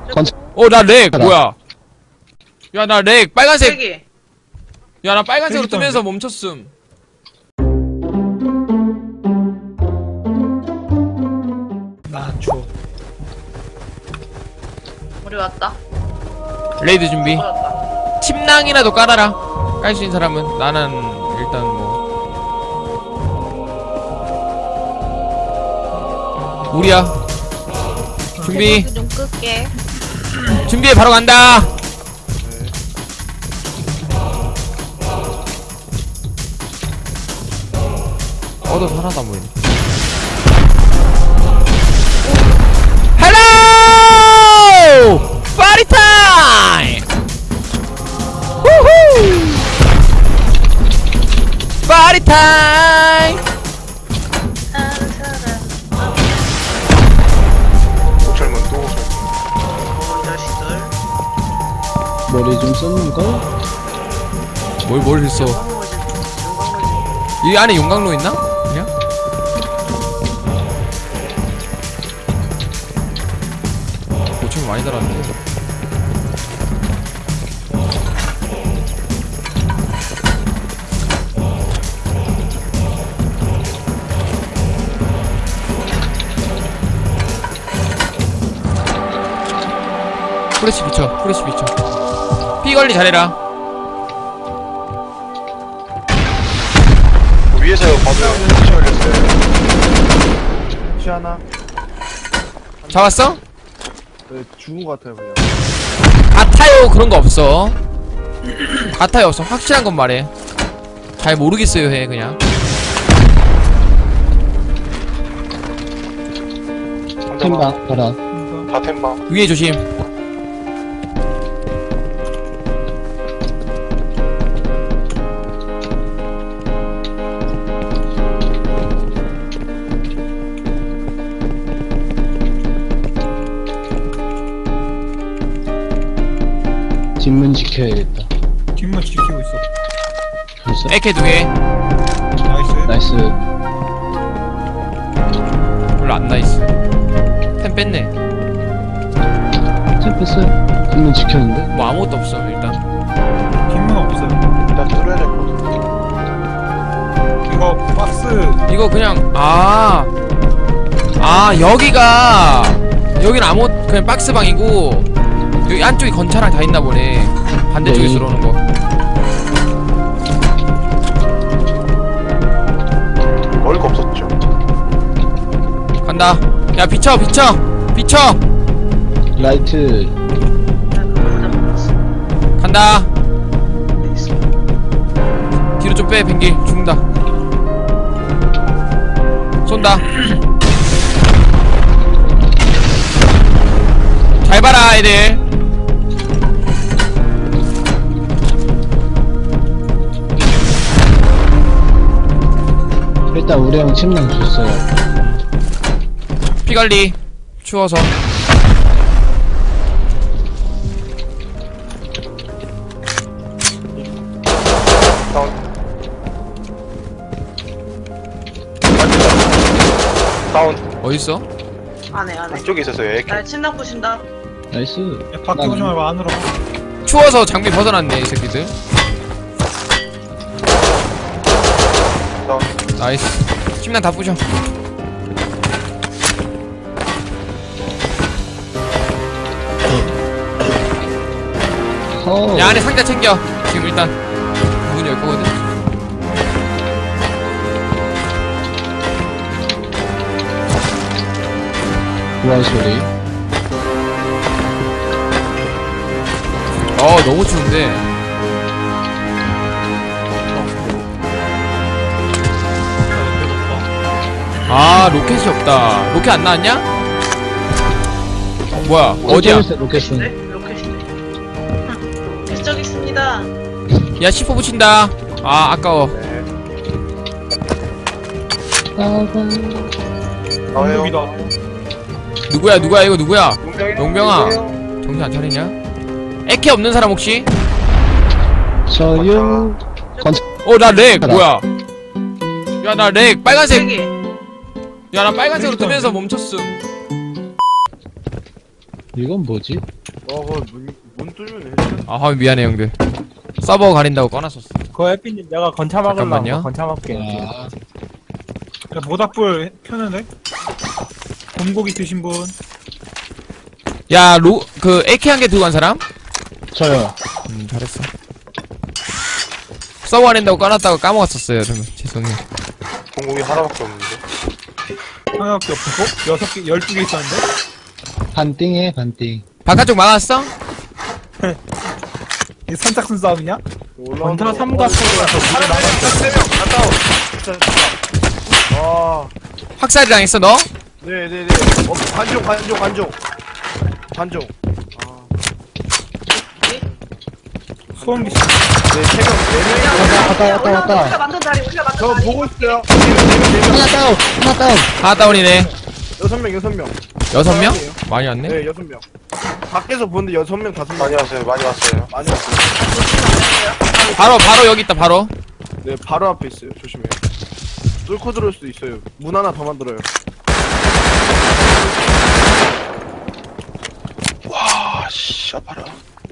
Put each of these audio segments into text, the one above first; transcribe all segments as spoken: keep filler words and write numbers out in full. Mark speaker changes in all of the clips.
Speaker 1: 어, 나 렉, 뭐야. 야, 나 렉, 빨간색.
Speaker 2: 여기.
Speaker 1: 야, 나 빨간색으로 뜨면서 멈췄음.
Speaker 3: 아, 추워.
Speaker 2: 우리 왔다.
Speaker 1: 레이드 준비.
Speaker 2: 왔다.
Speaker 1: 침낭이라도 깔아라. 깔 수 있는 사람은. 나는 일단 뭐 우리야. 준비.
Speaker 2: 좀 끌게.
Speaker 1: 준비해. 바로 간다. 얻어 하나도 안 보이네. 헬로! 파티 타임! 후후! 파티 타임!
Speaker 2: 아는 사람.
Speaker 4: 젊은 또
Speaker 2: 이 자식들.
Speaker 3: 머리 좀 썼는가?
Speaker 1: 뭘, 뭘 했어?
Speaker 2: 용광로지. 용광로지.
Speaker 1: 이 안에 용광로 있나? 그냥? 고충 많이 달았는데. 프레시 비춰, 프레시 비춰. 피 관리 잘해라.
Speaker 4: 위에서 봐줘요. 피치 올렸어요.
Speaker 5: 피 하나.
Speaker 1: 잡았어?
Speaker 5: 네, 죽은 것 같아요 그냥.
Speaker 1: 같아요. 그런 거 없어. 같아요. 없어. 확실한 건 말해. 잘 모르겠어요. 해 그냥.
Speaker 3: 템방 봐라.
Speaker 4: 다 템방.
Speaker 1: 위에 조심.
Speaker 3: 뒷문 지켜야겠다.
Speaker 6: 뒷문 지키고 있어.
Speaker 3: 벌써?
Speaker 1: 에케 두 개.
Speaker 6: 나이스.
Speaker 3: 나이스.
Speaker 1: 별로 안 나이스. 템 뺐네.
Speaker 3: 템 뺐어요. 뒷문 지켰는데?
Speaker 1: 뭐 아무것도 없어 일단.
Speaker 6: 뒷문 없어요.
Speaker 4: 일단 뚫어야 될 것 같아.
Speaker 6: 이거 박스.
Speaker 1: 이거 그냥 아. 아 여기가 여기는 아무 그냥 박스방이고 여기 안쪽에 건차랑 다 있나 보네. 반대쪽에서
Speaker 3: 네.
Speaker 1: 들어오는 거.
Speaker 4: 먹을 거 없었죠.
Speaker 1: 간다. 야 비쳐 비쳐 비쳐.
Speaker 3: 라이트.
Speaker 2: 나 그거보다 먹었어.
Speaker 1: 간다.
Speaker 2: 있어.
Speaker 1: 뒤로 좀 빼. 뱅길 죽는다. 쏜다. 잘 봐라 애들.
Speaker 3: 일단 우리 형 침낭 줬어요.
Speaker 1: 피관리 추워서.
Speaker 4: 다운. 다운.
Speaker 1: 어딨어?
Speaker 2: 안해 안해.
Speaker 4: 이쪽에 있었어요. 에케.
Speaker 2: 나 침낭 부신다.
Speaker 3: 나이스.
Speaker 6: 야, 밖에 오지 말고 안으로.
Speaker 1: 추워서 장비 벗어났네 이 새끼들.
Speaker 4: 다운.
Speaker 1: 나이스. 침낭 다 부셔.
Speaker 3: 허.
Speaker 1: 야 안에 상자 챙겨. 지금 일단 문 열 거거든.
Speaker 3: 우한 소리.
Speaker 1: 어 너무 추운데. 아 로켓이 없다. 로켓 안 나왔냐? 어, 뭐야 어디야?
Speaker 3: 로켓은.
Speaker 2: 네? 로켓인데. 기적 있습니다.
Speaker 1: 야 십 호 붙인다. 아 아까워.
Speaker 4: 나와요.
Speaker 6: 여기다.
Speaker 1: 누구야 누구야 이거 누구야?
Speaker 4: 용병이.
Speaker 1: 용병아. 정신 안 차리냐? 에케 없는 사람 혹시?
Speaker 3: 저요.
Speaker 1: 어 나 렉 뭐야? 야 나 렉 빨간색.
Speaker 2: 여기.
Speaker 1: 야 나 빨간색으로 뜨면서 멈췄음.
Speaker 3: 이건 뭐지?
Speaker 5: 어, 그거 문, 문 뚫으면 해줘.
Speaker 1: 아 화면 미안해 형들. 서버 가린다고 꺼놨었어.
Speaker 7: 그 에피님 내가 건차
Speaker 1: 잠깐만요.
Speaker 7: 막으려고 건차 막게.
Speaker 3: 아,
Speaker 6: 야, 모닥불 켜는데? 곰고기 드신 분?
Speaker 1: 야 로 그 에이케이 한 개 들고 간 사람?
Speaker 3: 저요.
Speaker 1: 음 잘했어. 서버 가린다고 꺼놨다고 까먹었었어요. 좀 죄송해요.
Speaker 4: 공공이 하나밖에 없는데.
Speaker 6: 하나밖에 없고? 여섯 개, 열두 개 있었는데?
Speaker 3: 반띵해, 반띵.
Speaker 1: 바깥쪽 막았어?
Speaker 6: 이게 선착순 싸움이냐?
Speaker 5: 올라온다.
Speaker 7: 건차 삼각형에서
Speaker 4: 하나 세명 갔다 오.
Speaker 5: 진짜 좋다. 와.
Speaker 1: 확살이 당했어 너?
Speaker 5: 네네네. 어, 관종, 관종, 관종. 관종. 아.
Speaker 6: 소음기 씨.
Speaker 5: 네, 세 명, 네 명.
Speaker 3: 왔다, 왔다, 왔다, 왔다.
Speaker 2: 우리가 만든 자리 우리가 만든
Speaker 5: 저
Speaker 2: 자리.
Speaker 5: 보고 있어요. 네 명, 네 명, 네 명.
Speaker 3: 하나 다운! 하나 다운!
Speaker 1: 하나 다운이네.
Speaker 5: 여섯 명, 여섯 명.
Speaker 1: 여섯 명? 많이 왔네.
Speaker 5: 네, 여섯 명. 밖에서 보는데 여섯 명, 다섯 명.
Speaker 4: 많이 왔어요, 많이 왔어요.
Speaker 5: 많이 왔어요.
Speaker 1: 바로 바로 여기 있다 바로.
Speaker 5: 네, 바로 앞에 있어요. 조심해요. 뚫고 들어올 수도 있어요. 문 하나 더 만들어요.
Speaker 4: 와, 씨, 아파라.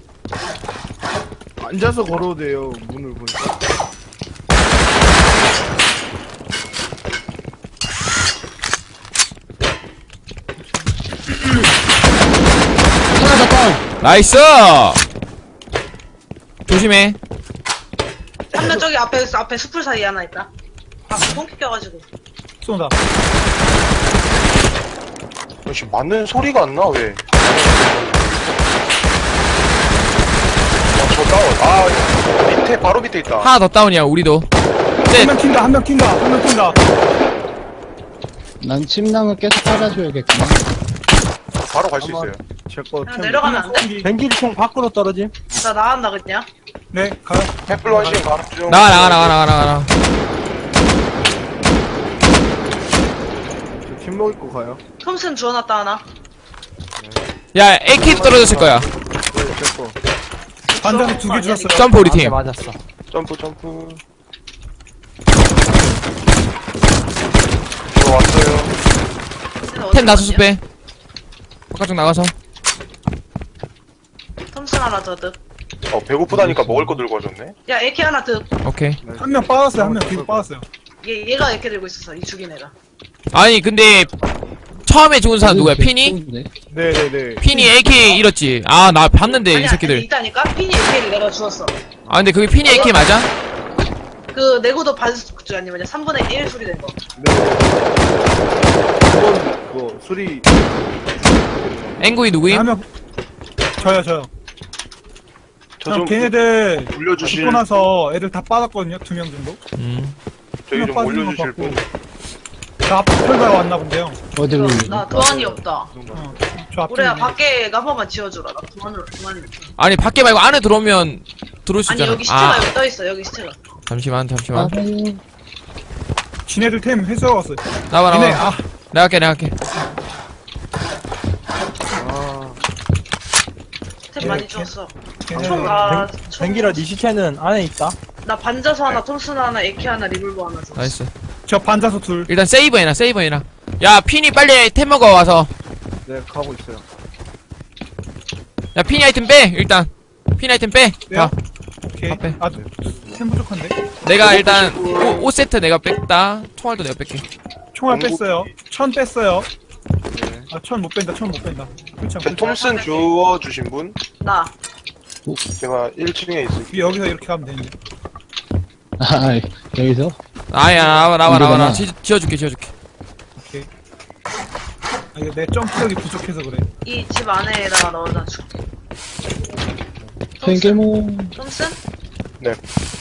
Speaker 5: 앉아서 걸어도 돼요. 문을 보니까.
Speaker 3: 하나 더 다운!
Speaker 1: 나이스. 조심해.
Speaker 2: 한 명 저기 앞에 앞에 숲풀 사이에 하나 있다. 아, 뽕 껴가지고.
Speaker 6: 쏜다.
Speaker 4: 역시 맞는 소리가 안 나, 왜? 아, 저 다운. 아, 밑에, 바로 밑에 있다.
Speaker 1: 하나 더 다운이야 우리도.
Speaker 6: 한 명 튄다, 한 명 튄다, 한 명 튄다.
Speaker 3: 난 침낭을 계속 깔아줘야겠구나.
Speaker 4: 바로 갈 수 있어요.
Speaker 5: 제거
Speaker 2: 그냥 내려가면 안 돼?
Speaker 7: 뱅길총 밖으로 떨어짐.
Speaker 2: 나 나간다 그냥.
Speaker 6: 네, 가요.
Speaker 4: 햇불 원신 바로 쭉.
Speaker 1: 나가 나가 나가 나가 나가.
Speaker 5: 팀목 입고 가요.
Speaker 2: 톰슨 주워놨다 하나.
Speaker 1: 야 에이케이도 떨어졌을 거야.
Speaker 5: 네, 제거.
Speaker 6: 반장이 두 개 주었어요.
Speaker 1: 점프 우리 팀.
Speaker 7: 맞았어.
Speaker 4: 점프, 점프. 들어왔어요.
Speaker 1: 템 나서서 빼. 바깥쪽 나가서.
Speaker 2: 톰슨 하나 더 득.
Speaker 4: 어, 배고프다니까 먹을 거 들고 와줬네.
Speaker 2: 야 에케 하나 득.
Speaker 1: 오케이.
Speaker 6: 한 명 빠졌어요, 한 명 뒤로 빠졌어요.
Speaker 2: 얘 얘가 에케 들고 있었어. 이 죽인 애가.
Speaker 1: 아니 근데 처음에 죽은 사람 누구야? 피니?
Speaker 3: 좋은데?
Speaker 5: 네네네.
Speaker 1: 피니 에이케이 잃었지. 아 나 봤는데 이
Speaker 2: 아니야,
Speaker 1: 새끼들.
Speaker 2: 있다니까. 피니 에케를 내가 주웠어.
Speaker 1: 아 근데 그게 피니 에이케이 맞아?
Speaker 2: 그 내구도 반수 아니 뭐냐 삼분의 일 수리 된 거.
Speaker 5: 네. 이건 뭐 수리.
Speaker 1: 앵구이
Speaker 6: 한
Speaker 1: 누구임?
Speaker 6: 명, 저요, 저요.
Speaker 4: 저
Speaker 6: 그냥
Speaker 4: 좀
Speaker 6: 걔네들
Speaker 4: 올려주실,
Speaker 6: 죽고 나서 애들 다 빠졌거든요, 두 명 정도.
Speaker 1: 음.
Speaker 4: 저기 좀
Speaker 6: 한 명 빠진 거
Speaker 4: 올려주실 분.
Speaker 6: 같고. 저 앞에 털다가 왔나 본데요.
Speaker 3: 어디로 올리지?
Speaker 2: 나 도안이 없다.
Speaker 6: 어, 저 앞에.
Speaker 2: 우리야
Speaker 6: 있네.
Speaker 2: 밖에 한 번만 지워주라. 나 도안으로 도안이 없어.
Speaker 1: 아니 밖에 말고 안에 들어오면 들어올 수
Speaker 2: 아니
Speaker 1: 있잖아.
Speaker 2: 여기 시체가
Speaker 1: 아
Speaker 2: 여기 떠 있어. 여기 시체가.
Speaker 1: 잠시만 잠시만.
Speaker 6: 지네들 템 회수하고 왔어요.
Speaker 1: 나와
Speaker 6: 얘네,
Speaker 1: 나와.
Speaker 6: 아,
Speaker 1: 내가 할게 내가 할게.
Speaker 5: 아.
Speaker 2: 템
Speaker 6: 예,
Speaker 2: 많이
Speaker 6: 예.
Speaker 2: 주웠어.
Speaker 6: 걔네.
Speaker 2: 총 나,
Speaker 7: 뱅길아 니 시체는 안에 있다.
Speaker 2: 나 반자수 하나, 톰슨 하나, 에케 하나, 리볼버 하나 줬어.
Speaker 1: 나이스.
Speaker 6: 저 반자소 둘.
Speaker 1: 일단 세이브 해놔 세이브 해놔. 야 피니 빨리 템 먹어 와서.
Speaker 5: 네, 가고 있어요.
Speaker 1: 야 피니 아이템 빼 일단. 피니 아이템 빼.
Speaker 6: 빼요?
Speaker 1: 가.
Speaker 6: 오케이.
Speaker 1: 앞에.
Speaker 6: 아, 템 부족한데?
Speaker 1: 내가 일단 오 세트 내가 뺐다. 총알도 내가 뺄게.
Speaker 6: 총알
Speaker 4: 공구-
Speaker 6: 뺐어요. 천 뺐어요.
Speaker 5: 네.
Speaker 6: 아, 천 못 뺀다, 천 못 뺀다. 그렇죠.
Speaker 4: 그 톰슨 주워주신 분?
Speaker 2: 나.
Speaker 4: 제가 일 층에 있을게요.
Speaker 6: 여기서 이렇게 가면 되는데.
Speaker 3: 아, 여기서?
Speaker 1: 아야 나와 나와 나와 나와.
Speaker 3: 이거구나.
Speaker 1: 지- 지어줄게 지어줄게.
Speaker 6: 오케이. 아, 이거 내 점프력이 부족해서 그래.
Speaker 2: 이 집 안에다가 넣어다 줄게.
Speaker 3: 팽개모.
Speaker 2: 톰슨?
Speaker 4: 네.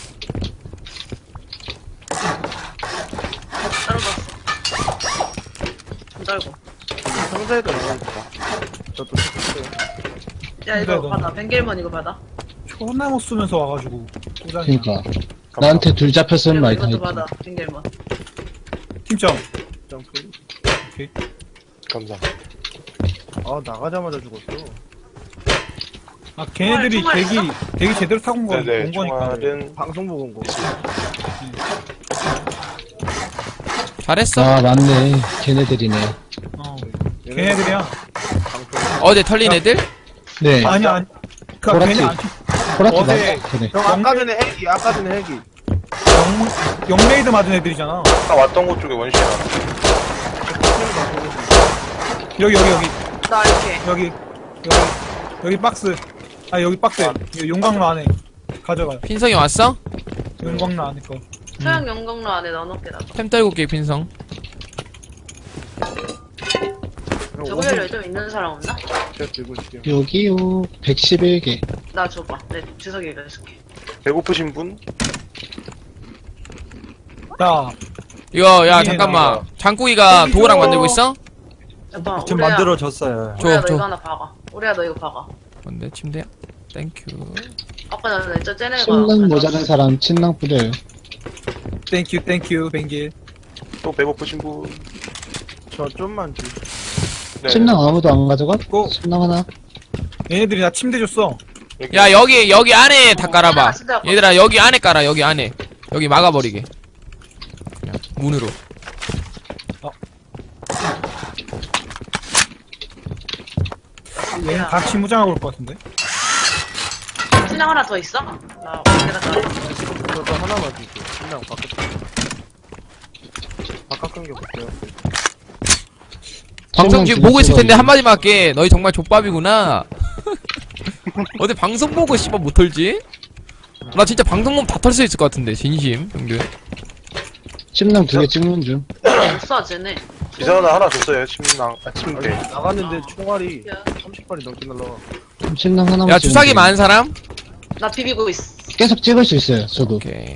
Speaker 2: 떨어졌어. 안 떨고.
Speaker 5: 상자에도 나가있다. 저도 찾았어요.
Speaker 2: 야, 이거
Speaker 6: 근데 너-
Speaker 2: 받아. 벤겔먼 이거 받아.
Speaker 6: 존나 못 쓰면서 와가지고. 꼬장이야.
Speaker 3: 그니까. 나한테 둘 잡혔으면 많이
Speaker 2: 이것도
Speaker 3: 당했다.
Speaker 2: 받아. 벤겔먼.
Speaker 6: 팀점.
Speaker 5: 점프.
Speaker 6: 오케이.
Speaker 4: 감사합니다.
Speaker 5: 아, 나가자마자 죽었어.
Speaker 6: 아, 걔네들이
Speaker 2: 총알,
Speaker 6: 대기, 대기 제대로 타고 온 거,
Speaker 4: 네네,
Speaker 6: 온 거니까.
Speaker 4: 총알은
Speaker 5: 방송 보고 온 거.
Speaker 1: 잘했어.
Speaker 3: 아, 맞네. 걔네들이네.
Speaker 6: 어. 걔네들이야.
Speaker 5: 방송.
Speaker 1: 어제 털린 애들?
Speaker 3: 네.
Speaker 6: 아니 아니 그
Speaker 3: 보라티.
Speaker 6: 괜히 안
Speaker 3: 호라티
Speaker 5: 어제
Speaker 3: 맞아. 그래.
Speaker 5: 형 아까 전에 헬기 아까 전에 헬기
Speaker 6: 영 영레이드 맞은 애들이잖아.
Speaker 4: 아까 왔던 곳 쪽에 원시야.
Speaker 6: 여기 여기 여기
Speaker 2: 나 이렇게.
Speaker 6: 여기 여기 여기 박스. 아 여기 박스. 여기 용광로 안에 가져가요.
Speaker 1: 핀성이 왔어?
Speaker 6: 용광로 안에 거.
Speaker 2: 소형 영광로 안에 넣어놓게 나도.
Speaker 1: 템 떨고 올게 핀성.
Speaker 2: 저거를 좀 있는 사람 없나?
Speaker 5: 제가 들고 있을게요.
Speaker 3: 여기요. 백십일 개.
Speaker 2: 나 줘봐. 내 주석이 읽어줄게.
Speaker 4: 배고프신 분?
Speaker 6: 야
Speaker 1: 이거 야
Speaker 6: 여기에
Speaker 1: 잠깐만.
Speaker 4: 나와.
Speaker 1: 장국이가
Speaker 6: 여기
Speaker 1: 도구랑
Speaker 6: 줘.
Speaker 1: 만들고 있어?
Speaker 2: 잠깐만.
Speaker 7: 지금
Speaker 2: 우리야,
Speaker 7: 만들어졌어요.
Speaker 1: 줘,
Speaker 2: 우리야 너
Speaker 1: 줘.
Speaker 2: 이거 하나 박아. 우리야 너 이거 박아.
Speaker 1: 뭔데 침대야? 땡큐.
Speaker 2: 아까 전에 저 쟤네가.
Speaker 3: 침낭 모자란 사람 침낭 뿌려요.
Speaker 6: 땡큐 땡큐 뱅길.
Speaker 4: 또 배고프신 분?
Speaker 5: 저 좀만 주.
Speaker 4: 네.
Speaker 3: 침낭 아무도 안 가져가?
Speaker 6: 고.
Speaker 3: 침낭 하나.
Speaker 6: 얘네들이 나 침대 줬어.
Speaker 4: 여기.
Speaker 1: 야 여기 여기 안에 다 깔아봐.
Speaker 2: 진짜
Speaker 1: 얘들아 여기 안에 깔아 여기 안에. 여기 막아버리게. 그냥 문으로.
Speaker 6: 얘는 다 치무장하고 올 것 같은데.
Speaker 2: 신랑 하나 더 있어? 나 내가 다.
Speaker 5: 저도 하나만 주세요. 그냥 바깥. 바깥 끈게 볼게요.
Speaker 1: 방송
Speaker 3: 침낭
Speaker 1: 지금
Speaker 3: 두개
Speaker 1: 보고 있을 텐데
Speaker 3: 찍어야지.
Speaker 1: 한마디만 할게. 너희 정말 족밥이구나. 어디 방송 보고 씨발 못 털지? 나 진짜 방송 보면 다 털 수 있을 것 같은데 진심 형들.
Speaker 3: 침낭 두 개 찍는 중.
Speaker 2: 없어 쟤네.
Speaker 4: 이사나 하나 줬어요. 침낭, 아, 침대.
Speaker 5: 나갔는데 총알이 삼십 발이 넘게 날라와.
Speaker 3: 침낭 하나만
Speaker 1: 야
Speaker 3: 찍으면
Speaker 1: 주사기
Speaker 3: 돼요.
Speaker 1: 많은 사람?
Speaker 2: 나 비비고 있어.
Speaker 3: 계속 찍을 수 있어요. 저도.
Speaker 1: 오케이.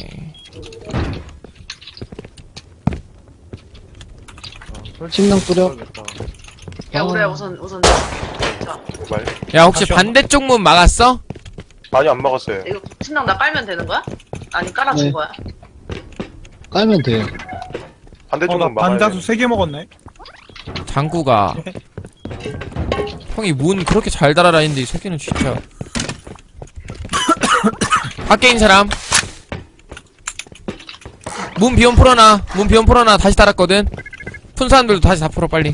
Speaker 3: 침낭 뿌려.
Speaker 2: 야
Speaker 3: 아.
Speaker 2: 우리야 우선 우선 내줄게. 자
Speaker 4: 말.
Speaker 1: 야 혹시
Speaker 6: 다시
Speaker 1: 반대쪽 문 막았어?
Speaker 4: 많이 안 먹었어요.
Speaker 2: 이거 신랑 나 깔면 되는 거야? 아니 깔아준
Speaker 3: 네.
Speaker 2: 거야?
Speaker 3: 깔면 돼요.
Speaker 4: 반대쪽은
Speaker 6: 어나
Speaker 4: 막아야
Speaker 6: 반자수
Speaker 4: 돼.
Speaker 6: 세 개 먹었네.
Speaker 1: 장구가 형이 문 그렇게 잘 달아라 했는데 이 새끼는 진짜. 밖에 있는 사람 문 비원 풀어놔. 문 비원 풀어놔. 다시 달았거든. 푼 사람들도 다시 다 풀어 빨리.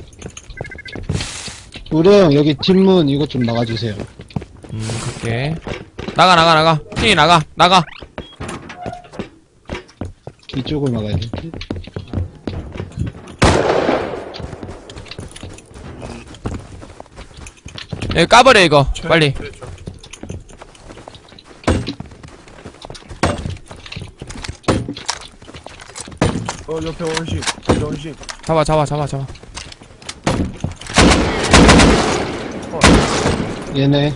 Speaker 3: 우리 형 여기 뒷문 이거 좀 막아주세요.
Speaker 1: 음 그렇게 나가 나가 나가 핑이 나가 나가.
Speaker 3: 이쪽을 막아야 돼.
Speaker 1: 여기 까버려 이거 빨리.
Speaker 5: 어 옆에 원시. 원시.
Speaker 1: 잡아 잡아 잡아 잡아.
Speaker 3: 얘네.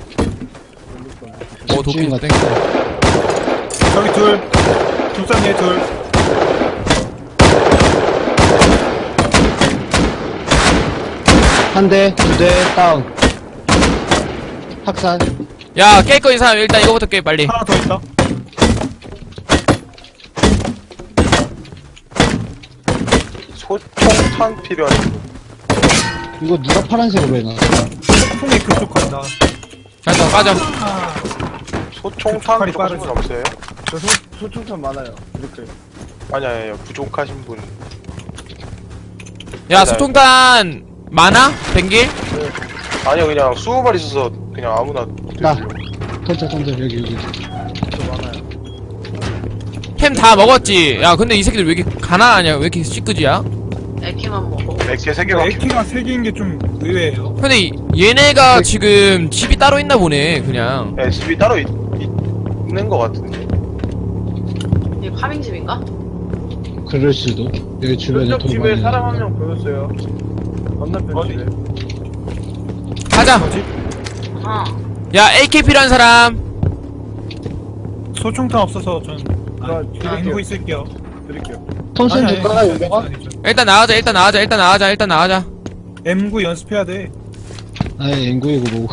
Speaker 1: 오 도끼
Speaker 3: 집주인
Speaker 1: 땡.
Speaker 6: 저기 둘. 둘산에 둘.
Speaker 3: 한 대, 두 대, 다운. 학산.
Speaker 1: 야 깰 거 이 사람 일단 이거부터 깨 빨리.
Speaker 6: 하나 더 있다.
Speaker 4: 소총탄 필요한 분.
Speaker 3: 이거 누가 파란색으로 해놨어?
Speaker 6: 폭풍이 그쪽 간다.
Speaker 1: 자자 빠져.
Speaker 6: 아,
Speaker 4: 소총탄
Speaker 6: 칼이
Speaker 4: 부족하신 분 없어요?
Speaker 5: 저 소, 소총탄 많아요. 이렇게.
Speaker 4: 아니, 아니, 아니, 부족하신 분.
Speaker 1: 야 소총탄 많아? 뱅길?
Speaker 4: 아니요, 그냥 스무 발 있어서 그냥 아무나.
Speaker 3: 나. 던져, 던져, 여기, 여기.
Speaker 5: 저 많아요.
Speaker 1: 템 다 먹었지. 야 근데 이 새끼들 왜 이렇게 가난하냐? 왜 이렇게 시끄지야?
Speaker 2: 애키만 먹어.
Speaker 4: 맥개 세 개가.
Speaker 6: 에키가 세 개인 게 좀 의외예요.
Speaker 1: 근데 이- 얘네가 지금 집이 따로 있나 보네 그냥.
Speaker 4: 네, 집이 따로 있, 있, 있는 것 같은데.
Speaker 2: 이게 파밍집인가?
Speaker 3: 그럴 수도. 여기 주변에
Speaker 5: 왼쪽
Speaker 3: 돈
Speaker 5: 집에
Speaker 3: 많이
Speaker 5: 사람 한
Speaker 3: 나니까.
Speaker 5: 명 보였어요. 건너편
Speaker 6: 어디?
Speaker 5: 집에.
Speaker 1: 가자.
Speaker 2: 어.
Speaker 1: 야 에이케이 필요한 사람.
Speaker 6: 소총탄 없어서 전
Speaker 5: 아,
Speaker 6: 아,
Speaker 5: 드릴게요.
Speaker 6: 알고 있을게요.
Speaker 5: 드릴게요.
Speaker 3: 톤슨
Speaker 6: 아니,
Speaker 3: 줄까,
Speaker 6: 아니,
Speaker 3: 유명아?
Speaker 6: 아니죠.
Speaker 1: 일단 나가자 일단 나가자 일단 나가자 일단 나가자.
Speaker 6: 엠구 연습해야 돼.
Speaker 3: 아니, 앵구이고 뭐고.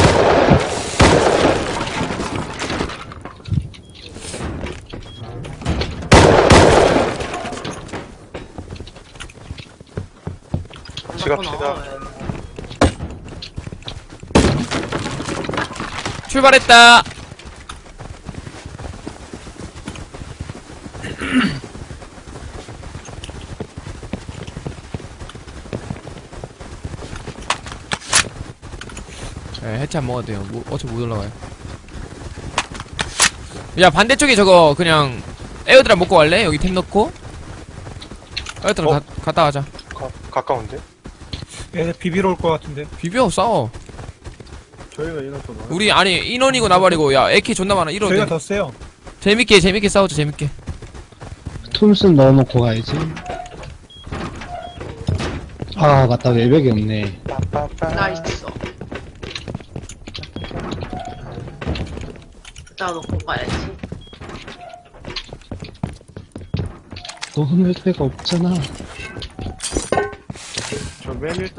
Speaker 4: 지갑시다.
Speaker 1: 출발했다. 네, 해체 같이 안 먹어도 돼요. 뭐, 어차피 못 올라가요. 야, 반대쪽에 저거 그냥 에어드랍 먹고 갈래? 여기 템 넣고. 에어드랍
Speaker 4: 어?
Speaker 1: 가, 갔다 가자.
Speaker 4: 가, 가까운데?
Speaker 6: 얘 비비러 올 것 같은데.
Speaker 1: 비벼 싸워.
Speaker 5: 저희가 인원 더 많아.
Speaker 1: 우리 아니 인원이고 나발이고 야 에키 존나 많아. 이러
Speaker 6: 저희가 더 세요.
Speaker 1: 재밌게 재밌게 싸우자 재밌게.
Speaker 3: 톰슨 넣어놓고 가야지. 아, 맞다. 외벽이 없네.
Speaker 4: 빠빠빠.
Speaker 2: 나 있어. 나 놓고 가야지.
Speaker 3: 너는 외벽가 없잖아.
Speaker 5: 저 맨 일단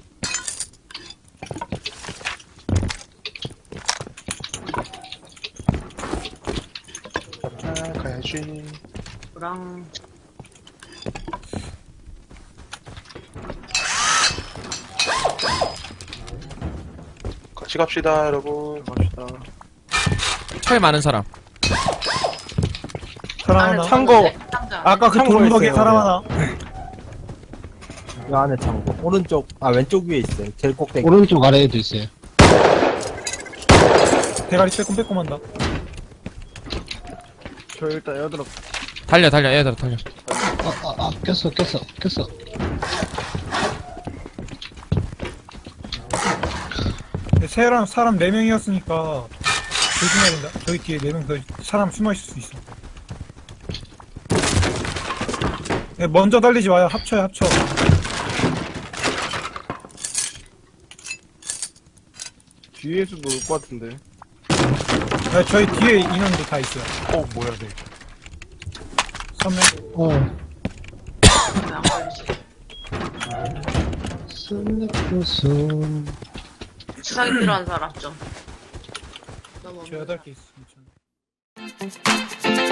Speaker 4: 아, 가야지.
Speaker 2: 그랑
Speaker 4: 같이 갑시다, 여러분.
Speaker 5: 갑시다.
Speaker 1: 철 많은 사람.
Speaker 6: 사람
Speaker 2: 안에
Speaker 6: 하나.
Speaker 7: 참고.
Speaker 2: 상자, 상자.
Speaker 6: 아까 그
Speaker 7: 참고에
Speaker 6: 돌무더기
Speaker 7: 있어요,
Speaker 6: 사람
Speaker 7: 네.
Speaker 6: 하나.
Speaker 7: 이 안에 창고. 오른쪽, 아, 왼쪽 위에 있어요. 제일 꼭대기.
Speaker 3: 오른쪽 아래에도 있어요.
Speaker 6: 대가리 빼꼼빼꼼한다.
Speaker 5: 저 일단 에어드랍
Speaker 1: 달려 달려 에어드랍 달려.
Speaker 3: 아, 아, 아, 꼈어, 꼈어, 꼈어.
Speaker 6: 사람 사람 네 명이었으니까 조심해야 된다. 저기 뒤에 네 명 더 사람 숨어 있을 수 있어. 네, 먼저 달리지 마요. 합쳐요, 합쳐.
Speaker 5: 뒤에서도 올 것 같은데.
Speaker 6: 네, 저희 뒤에 인원도 다 있어요.
Speaker 4: 어, 뭐야, 네.
Speaker 6: 삼 명.
Speaker 3: 어,
Speaker 2: 왜안 걸리지?
Speaker 3: 슬래퍼서.
Speaker 2: 주사기 필요한 사람 좀. 너무
Speaker 6: 저 여덟 개 있어. 괜찮아.